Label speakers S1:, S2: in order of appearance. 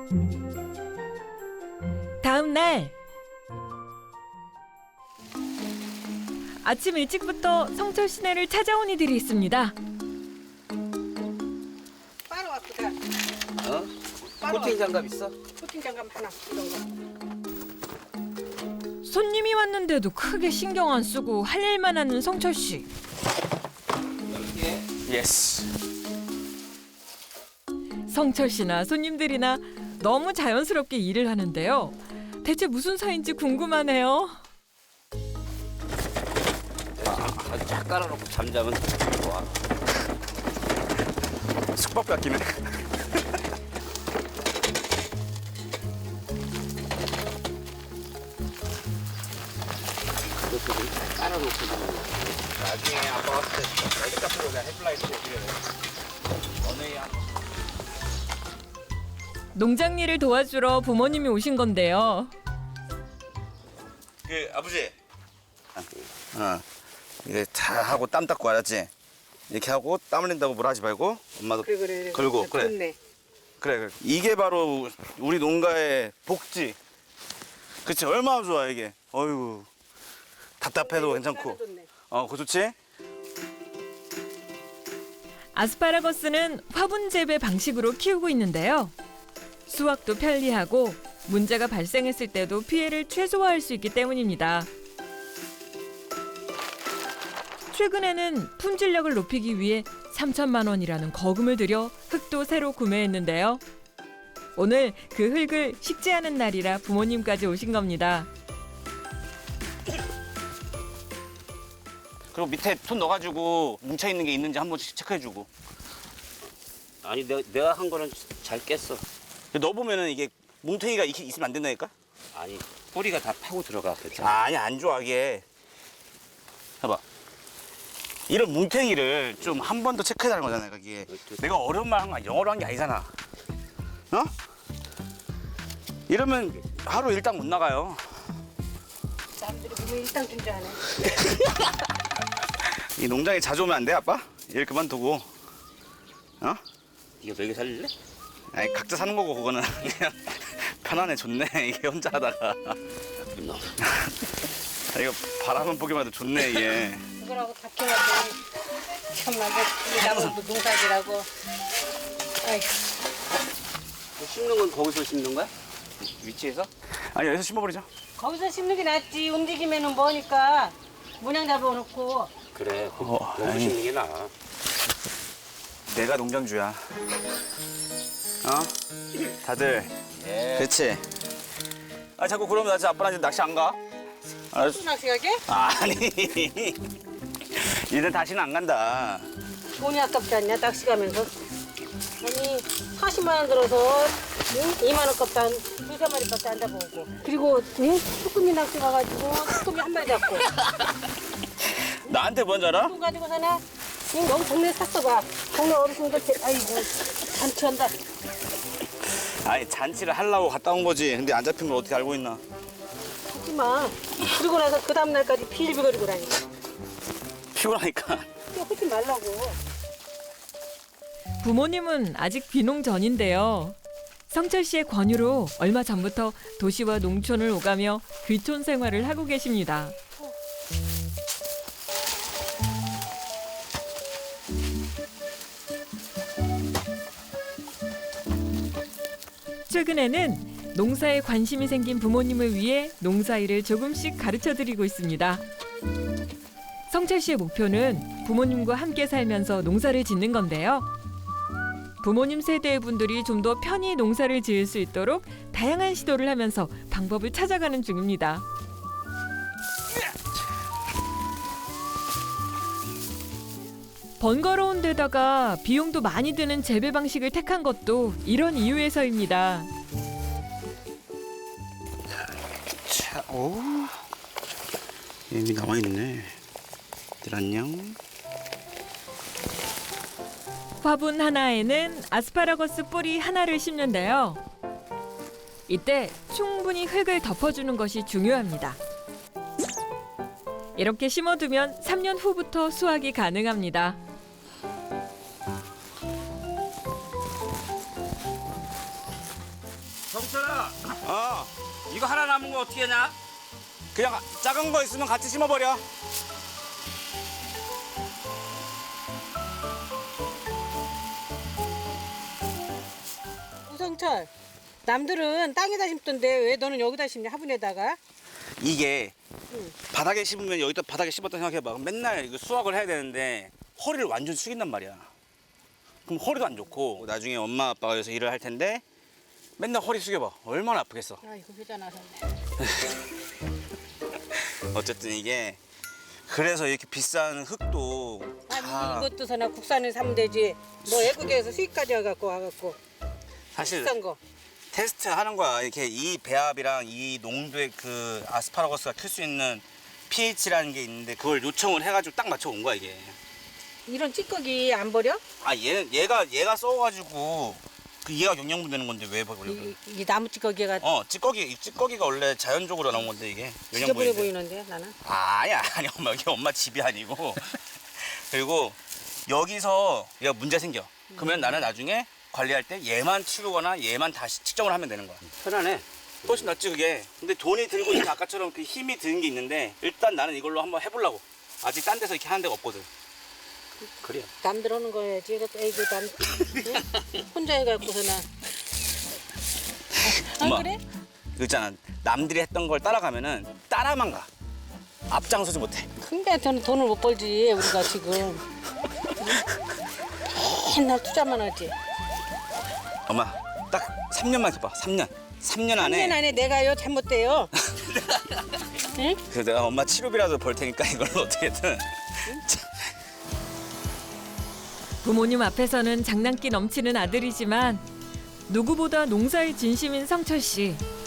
S1: 다음 날 아침 일찍부터 성철 시내를 찾아온 이들이 있습니다.
S2: 빠로 왔거든.
S3: 어? 코팅 장갑 있어?
S2: 코팅 장갑 하나 이런 거.
S1: 손님이 왔는데도 크게 신경 안 쓰고 할 일만 하는 성철 씨.
S3: 예스.
S1: 성철 씨나 손님들이나 너무 자연스럽게 일을 하는데요. 대체 무슨 사이인지 궁금하네요.
S3: 아주 쫙 깔아놓고 잠자면 좋아.
S4: 숙박비 아끼네.
S3: 그것도 좀 깔아놓고
S4: 나중에 아빠 왔을 때 라이트값으로 그냥 헤드라이트 해드려요. 원웨이 한
S1: 농장 일을 도와주러 부모님이 오신 건데요.
S4: 그 아버지. 이게 다 하고 땀 닦고 알았지? 이렇게 하고 땀 흘린다고 뭐라 하지 말고 엄마도
S2: 그래.
S4: 걸고 그래.
S2: 좋네.
S4: 그래. 이게 바로 우리 농가의 복지. 그치? 얼마나 좋아 이게. 어휴. 답답해도 괜찮고.
S2: 좋네.
S4: 그거 좋지?
S1: 아스파라거스는 화분 재배 방식으로 키우고 있는데요. 수확도 편리하고 문제가 발생했을 때도 피해를 최소화할 수 있기 때문입니다. 최근에는 품질력을 높이기 위해 3천만 원이라는 거금을 들여 흙도 새로 구매했는데요. 오늘 그 흙을 식재하는 날이라 부모님까지 오신 겁니다.
S4: 그리고 밑에 손 넣어가지고 뭉쳐있는 게 있는지 한 번씩 체크해주고.
S3: 아니 내가 한 거는 잘 깼어.
S4: 넣어보면은 이게 뭉탱이가 있으면 안 된다니까?
S3: 아니 뿌리가 다 파고 들어가 괜찮아.
S4: 아니 안 좋아 이게. 봐봐. 이런 뭉탱이를 좀 한 번 더 체크해달라는 거잖아 이게. 내가 어려운 말 한 거 영어로 한 게 아니잖아. 어? 이러면 하루 일당 못 나가요.
S2: 사람들이 보면 일당 준 줄 아네.
S4: 이 농장에 자주 오면 안 돼 아빠? 일 그만두고. 어?
S3: 이거 먹여 살릴래?
S4: 아니 각자 사는 거고 그거는 그냥 편안해 좋네 이게 혼자 하다가.
S3: 너.
S4: 이거 바라만 보기만 해도 좋네 이게.
S2: 그거라고 다 키워가지고 참나 나무도 농사지라고. 아이
S3: 심는 건 거기서 심는 거야? 위치에서?
S4: 아니 여기서 심어버리자.
S2: 거기서 심는 게 낫지. 움직이면은 뭐니까 문양 잡아놓고.
S3: 그래. 거기서
S4: 아니.
S3: 심는 게 나아.
S4: 내가 농장주야. 다들.
S3: 예.
S4: 그렇지. 아 자꾸 그러면 나 진짜 아빠랑 이제 낚시 안 가? 알았어.
S2: 또 낚시가게?
S4: 아니. 이제 다시는 안 간다.
S2: 돈이 아깝지 않냐 낚시 가면서. 아니 40만 원 들어서 2만 원 값도 한 두세 마리밖에 안 잡아오고. 그리고 쭈꾸미 낚시 가가지고 쭈꾸미 한 마리 잡고.
S4: 나한테 뭔 줄 알아?
S2: 돈 가지고 사나? 너무 동네 샀어 봐. 동네 어르신들 아이고 잔치한다.
S4: 아니 잔치를 하려고 갔다 온 거지. 근데 안 잡힌 걸 어떻게 알고 있나?
S2: 하지 마. 그러고 나서 그 다음 날까지 비일비거리고 다니.
S4: 피곤하니까.
S2: 또 하지 말라고.
S1: 부모님은 아직 귀농 전인데요. 성철 씨의 권유로 얼마 전부터 도시와 농촌을 오가며 귀촌 생활을 하고 계십니다. 최근에는 농사에 관심이 생긴 부모님을 위해 농사일을 조금씩 가르쳐드리고 있습니다. 성철 씨의 목표는 부모님과 함께 살면서 농사를 짓는 건데요. 부모님 세대의 분들이 좀 더 편히 농사를 지을 수 있도록 다양한 시도를 하면서 방법을 찾아가는 중입니다. 번거로운 데다가 비용도 많이 드는 재배 방식을 택한 것도 이런 이유에서입니다.
S4: 자, 오. 여기 남아있네. 들 안녕.
S1: 화분 하나에는 아스파라거스 뿌리 하나를 심는데요. 이때 충분히 흙을 덮어주는 것이 중요합니다. 이렇게 심어두면 3년 후부터 수확이 가능합니다.
S3: 수철아,
S4: 어,
S3: 이거 하나 남은 거 어떻게 하냐?
S4: 그냥 작은 거 있으면 같이 심어버려.
S2: 우성철, 남들은 땅에다 심던데 왜 너는 여기다 심냐? 화분에다가?
S4: 이게 바닥에 심으면 여기다 바닥에 심었다 생각해봐. 그럼 맨날 이거 수확을 해야 되는데 허리를 완전 숙인단 말이야. 그럼 허리도 안 좋고 나중에 엄마 아빠가 여기서 일을 할 텐데 맨날 허리 숙여봐. 얼마나 아프겠어.
S2: 아, 이거 회자 나섰네.
S4: 어쨌든 이게 그래서 이렇게 비싼 흙도
S2: 아니,
S4: 다
S2: 이것도 서나 국산을 사면 되지. 뭐 외국에서 수입까지 와갖고
S4: 사실
S2: 비싼 거.
S4: 테스트 하는 거야. 이렇게 이 배합이랑 이 농도의 그 아스파라거스가 클 수 있는 pH라는 게 있는데 그걸 요청을 해가지고 딱 맞춰 온 거야 이게.
S2: 이런 찌꺼기 안 버려?
S4: 아 얘가 써가지고 그 얘가 영양분 되는 건데 왜 버려?
S2: 이 나무 찌꺼기가
S4: 이 찌꺼기가 원래 자연적으로 나온 건데 이게
S2: 지저분해
S4: 영양분인데.
S2: 보이는데 나는.
S4: 아니 엄마 이게 엄마 집이 아니고 그리고 여기서 얘가 문제 생겨. 그러면 나는 나중에 관리할 때 얘만 치우거나 얘만 다시 측정을 하면 되는 거야.
S3: 편하네.
S4: 훨씬 낫지 그게. 근데 돈이 들고 이제 아까처럼 그 힘이 드는 게 있는데 일단 나는 이걸로 한번 해보려고. 아직 딴 데서 이렇게 하는 데가 없거든.
S3: 그래.
S2: 남들 하는 거 해야지. 이것도 애기 남 응? 혼자 해갖고서나. 안
S4: 엄마.
S2: 그래?
S4: 그 있잖아. 남들이 했던 걸 따라가면은 따라만 가. 앞장서지 못해.
S2: 근데 저는 돈을 못 벌지 우리가 지금. 맨날 투자만 하지.
S4: 엄마 딱 3년만 해봐. 3년. 3년 안에.
S2: 3년 안에 내가요 잘못돼요. 응?
S4: 그래서 내가 엄마 치료비라도 벌 테니까 이걸로 어떻게든.
S1: 부모님 앞에서는 장난기 넘치는 아들이지만 누구보다 농사에 진심인 성철 씨.